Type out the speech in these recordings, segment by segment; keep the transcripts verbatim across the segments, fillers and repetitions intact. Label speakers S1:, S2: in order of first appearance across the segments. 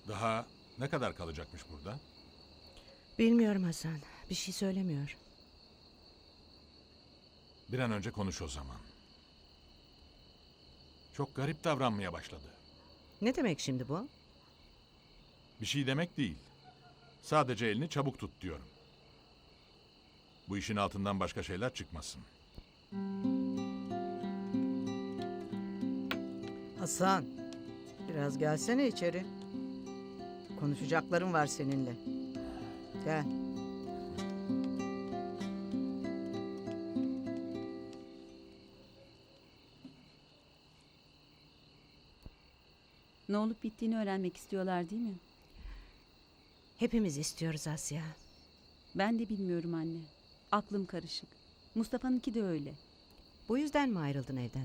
S1: Daha ne kadar kalacakmış burada?
S2: Bilmiyorum Hasan. Bir şey söylemiyor.
S1: Bir an önce konuş o zaman. Çok garip davranmaya başladı.
S2: Ne demek şimdi bu?
S1: Bir şey demek değil. Sadece elini çabuk tut diyorum. Bu işin altından başka şeyler çıkmasın.
S3: Hasan, biraz gelsene içeri. Konuşacaklarım var seninle. Gel.
S4: Ne olup bittiğini öğrenmek istiyorlar değil mi?
S2: Hepimiz istiyoruz Asya.
S4: Ben de bilmiyorum anne. Aklım karışık. Mustafa'nınki de öyle.
S2: Bu yüzden mi ayrıldın evden?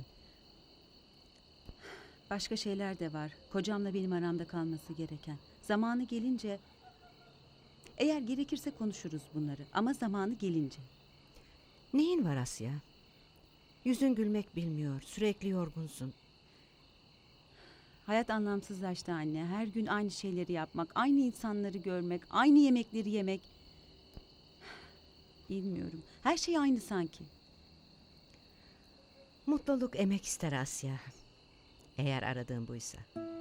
S4: Başka şeyler de var. Kocamla benim aramda kalması gereken. Zamanı gelince... Eğer gerekirse konuşuruz bunları. Ama zamanı gelince.
S2: Neyin var Asya? Yüzün gülmek bilmiyor. Sürekli yorgunsun.
S4: Hayat anlamsızlaştı anne. Her gün aynı şeyleri yapmak, aynı insanları görmek, aynı yemekleri yemek. Bilmiyorum. Her şey aynı sanki.
S2: Mutluluk emek ister Asya. Eğer aradığın buysa.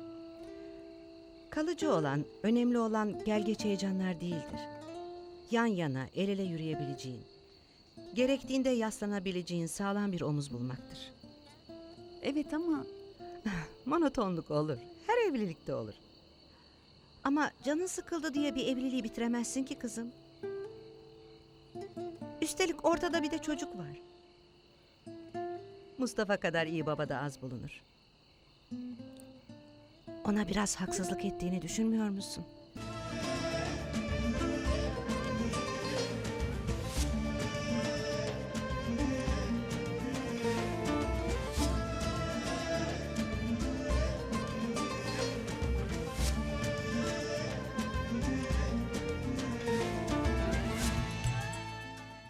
S2: Kalıcı olan, önemli olan gel geç heyecanlar değildir. Yan yana, el ele yürüyebileceğin, gerektiğinde yaslanabileceğin sağlam bir omuz bulmaktır.
S4: Evet ama
S2: Monotonluk olur. Her evlilikte olur. Ama canın sıkıldı diye bir evliliği bitiremezsin ki kızım. Üstelik ortada bir de çocuk var. Mustafa kadar iyi baba da az bulunur. Ona biraz haksızlık ettiğini düşünmüyor musun?